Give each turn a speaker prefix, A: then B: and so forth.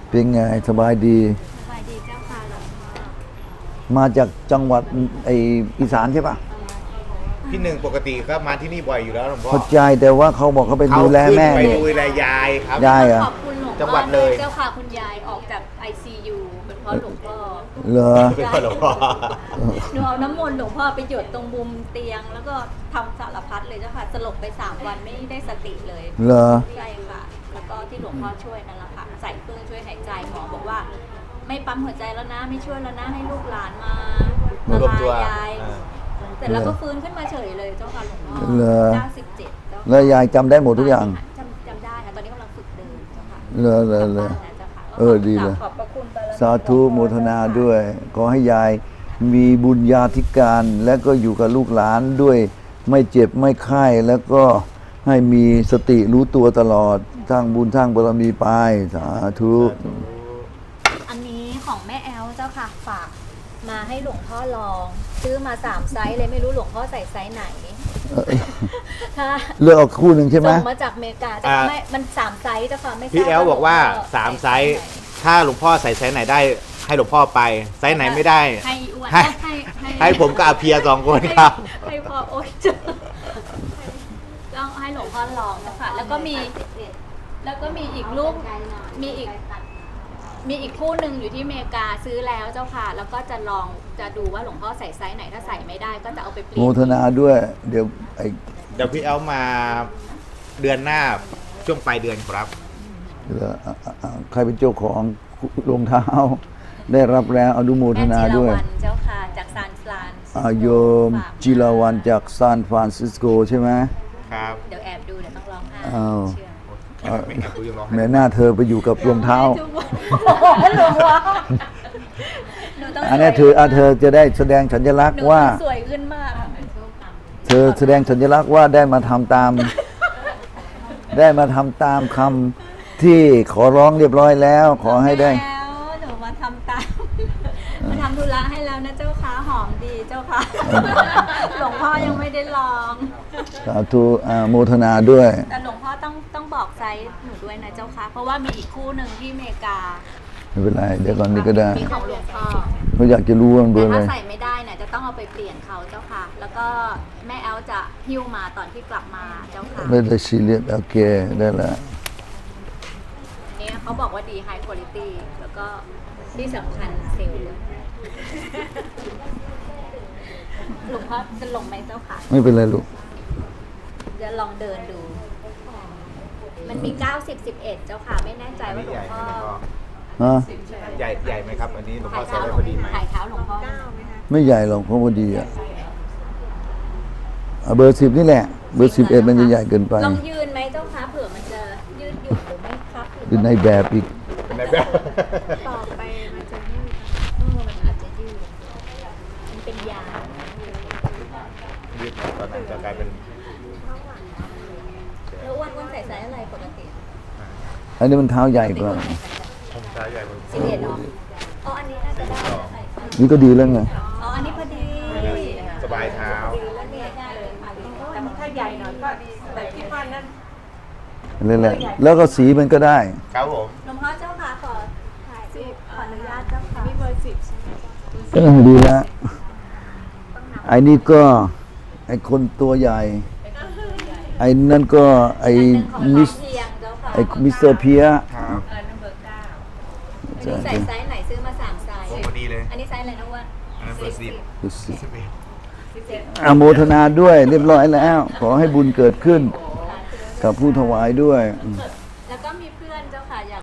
A: เป็นไงสบายดี
B: สบายดีเจ้าค่ะหลวงพ่อ
A: มาจากจังหวัดอีสานใช่ปะ
C: พี่หนึ่งปกติก็มาที่นี่บ่อยอยู่แล้วหลวงพ่อ
A: เข้าใจแต่ว่าเขาบอกเขาไปดูแลแม่
C: ไป
A: เนี่ย
C: ดูแลยายครับ
A: ยายเหรอ
B: ขอบคุณหลวง
C: จังห
B: พ่
C: วั
B: อ
C: ดเลย
B: เจ้าค่ะคุณยายออกจาก ICU เป็นเพราะหลวงพ่อ
A: เหรอ
C: เป็นพ่อหลวงพ่อ
B: หนูเอาน้ำมนต์หลวงพ่อไปหยดตรงมุมเตียง แล้วก็ทำสารพัดเลยเจ้าค่ะสลบไป3 วันไม่ได้สติเลย
A: เหรอ
B: ใช่ค่ะ แล้วก็ที่หลวงพ่อช่วยนั่นแหละค่ะใส่เครื่องช่วยหายใจหมอบอกว่า ไม่ปั๊มหัวใจแล้วนะ ไม่ช่วยแล้วนะให้ลูกหลานมาร
C: วมตัว
B: ยายแต่แล้วก็ฟื้นขึ้นมาเฉยเลยเจ้าค่ะหลวงพ่อ
A: เหรอ
B: 97เจ้าค่ะ
A: แล้วยายจำได้หมดทุกอย่าง
B: จำได้ค่ะตอนนี้กำลังฝึกเดินเจ้าค่ะ
A: เหรอ ดีเลย
B: ขอบพระคุณบารมี
A: สาธุโมทนาด้วย ขอให้ยายมีบุญญาธิการ และก็อยู่กับลูกหลานด้วย ไม่เจ็บไม่ไข้แล้วก็ให้มีสติรู้ตัวตลอดสร้างบุญสร้างบารมีไปสาธุ
B: อันนี้ของแม่แอลเจ้าค่ะฝากมาให้หลวงพ่อลองซื้อมา3 ไซส์เลยไม่รู้หลวงพ่อใส่ไซส์ไหนค่ะ
A: เลือกเอาคู่หนึ่งใช่ไหม
B: ส่งมาจากอเมริกาแต่ไม่มัน3 ไซส์เจ้าค่ะไม่ทราบ
C: พี่แอลบอกว่า
B: หลวงพ่อ
C: 3 ไซส์ ถ้าหลวงพ่อใส่ไซส์ไหนได้ให้หลวงพ่อไป ไซส์ไหนไม่ได้
B: ให้อ้วน
C: ให้ ให้ผมกับอาเพีย2 คนครับ
B: ให้พ่อโอ๊ยเจ้าต้องให้หลวงพ่อลองนะคะแล้วก็มีอีกลูกมีอีกคู่หนึ่งอยู่ที่อเมริกาซื้อแล้วเจ้าค่ะ แล้วก็จะดูว่าหลวงพ่อใส่ไซส์ไหนถ้าใส่ไม่ได้ก็จะเอาไปเปลี่
A: โม
B: ยน
A: ทนาด้วย เดี๋ยว
C: เดี๋ยวพี่แอลมาเดือนหน้าช่วงปลายเดือนครับ
A: ใครเป็นเจ้าของรองเท้า ได้รับแล้วอนุโมท
B: แม่
A: นา
B: จิร
A: ด้วย
B: วรรณเจ้าค่ะจากซานฟรานซิสโก
A: โยมจิรวันจากซานฟรานซิสโกใช่ไหม
C: ครับ
B: เดี๋ยวแอบดูเดี๋ยวต้องร้องไห้
A: อ้าว
B: เชื่อ
C: ไม่แอบดูยังร้อง
A: แม่หน้าเธอไปอยู่กับรองเท้า
B: ทุกวันหลวงพ่อหนูต้อง
A: อันนี้เธอจะได้แสดงสัญลักษ
B: ห
A: ณ์
B: นู
A: ว่า
B: สวยขึ้นมาก
A: เธอแสดงสัญลักษณ์ว่าได้มาทำตาม ได้มาทำตามคำที่ขอร้องเรียบร้อยแล้ว ขอให้ได้
B: แล้วหนูมาทำตามมาทำธุระให้แล้วนะเจ้าค่ะหอมดีเจ้าค่ะ หลวงพ่อยังไม่ได้ลอง
A: สาธุโมทนาด้วย
B: แต่หลวงพ่อต้องบอกไซส์หนูด้วยนะเจ้าค่ะ เพราะว่ามีอีกคู่หนึ่งที่อเมริกา
A: ไม่เป็นไร เดี๋ยวก่อนนี้ก็ได้
B: มีของหลวงพ่อ
A: เขาอยากจะรู้ว่ามันเบอ
B: แต่
A: ร์อะไร
B: ถ้าใส่ไม่ได้เนี่ยจะต้องเอาไปเปลี่ยนเขาเจ้าค่ะ แล้วก็แม่แอลจะหิ้วมาตอนที่กลับมาเจ้าค่ะ
A: ไม่ได้ซีเรียสโอเคได้แล้ว
B: เนี่ยเขาบอกว่าดี high quality แล้วก็ที่สำคัญเซลล์ด้วยหลวงพ่อจะลงไหมเจ้าค่ะ
A: ไม่เป็นไรลูก
B: จะลองเดินดู มันมี 90 11 เจ้าค่ะ ไม่แน่ใจว่าหลวงพ่อ
A: ฮะ
C: ใหญ่ไหมครับ อันนี้หลวงพ่
B: ถ่า
C: อย ใส่
B: เท้า
C: ได้
B: หล
C: พ
B: ว
C: อง ดีไหม
B: ถ่ายเท้าหลวงพ่อ
A: ไม่ใหญ่หรอกเพราะพอดีอ่ะเบอร์ 10นี่แหละ เบอร์ 11มันจะใหญ่เกินไป
B: ลองยืนไหมเจ้าค่ะเผื่อมันจะยืดหยุ่นหรือไม่ครับหรือ
A: เป็นในแบบอีก
C: เป็นไงแบบ
B: ต่อไปมันจะยืดมันอาจจะยืดมันเป็นยา
C: ยืดตอนนั้นจะกลายเป็น
B: แล้วอ้วนใส่ไซส์อะไรปกติ
A: อันนี้มันเท้าใหญ่กว่า
C: ผมซ้ายใหญ่กว่า
B: 11เนาะอ๋ออันนี้น่าจะได้ใส่ไซส์
A: นี่ก็ดีแล้วไง
B: อ๋ออันนี้พอดี
C: สบายเท้า
B: แล้วเนี่ยง่ายเลยค่ะ
D: แต่ถ้าใหญ่หน่อยก็แบบที่บ้านนั้น
A: นั่นแหละแล้วก็สีมันก็ได้
C: ครับผม
B: หลวงพ่อเจ้าค่ะขอถ่ายรูปขออนุญาตเจ้าค่ะ
D: มีเบอร์10ใช่ไหม
A: ดีแล้วไอ้นี่ก็ไอ้คนตัวใหญ่ ไอ้นั่นก็ไอ้
B: อันหนึ่งของ
A: มิ
B: น้อ
A: ส
B: งเพียงเจ้าค่ะ
A: ไอ้มิสเตอร์เพีย
C: ครับ
D: นั่นเบอร์9
B: อันนี้ใส่ไซส์ไหนซื้อมา3ไซส์
C: ผมพอดีเลย
B: อันนี้ไซส์อะไรนะอ้วน
C: อันนั้นเบอร์10
A: ดูสิ
C: 11
A: อโมทนาด้วยเรียบร้อยแล้ว ขอให้บุญเกิดขึ้น กับผู้ถวายด้วย
B: ข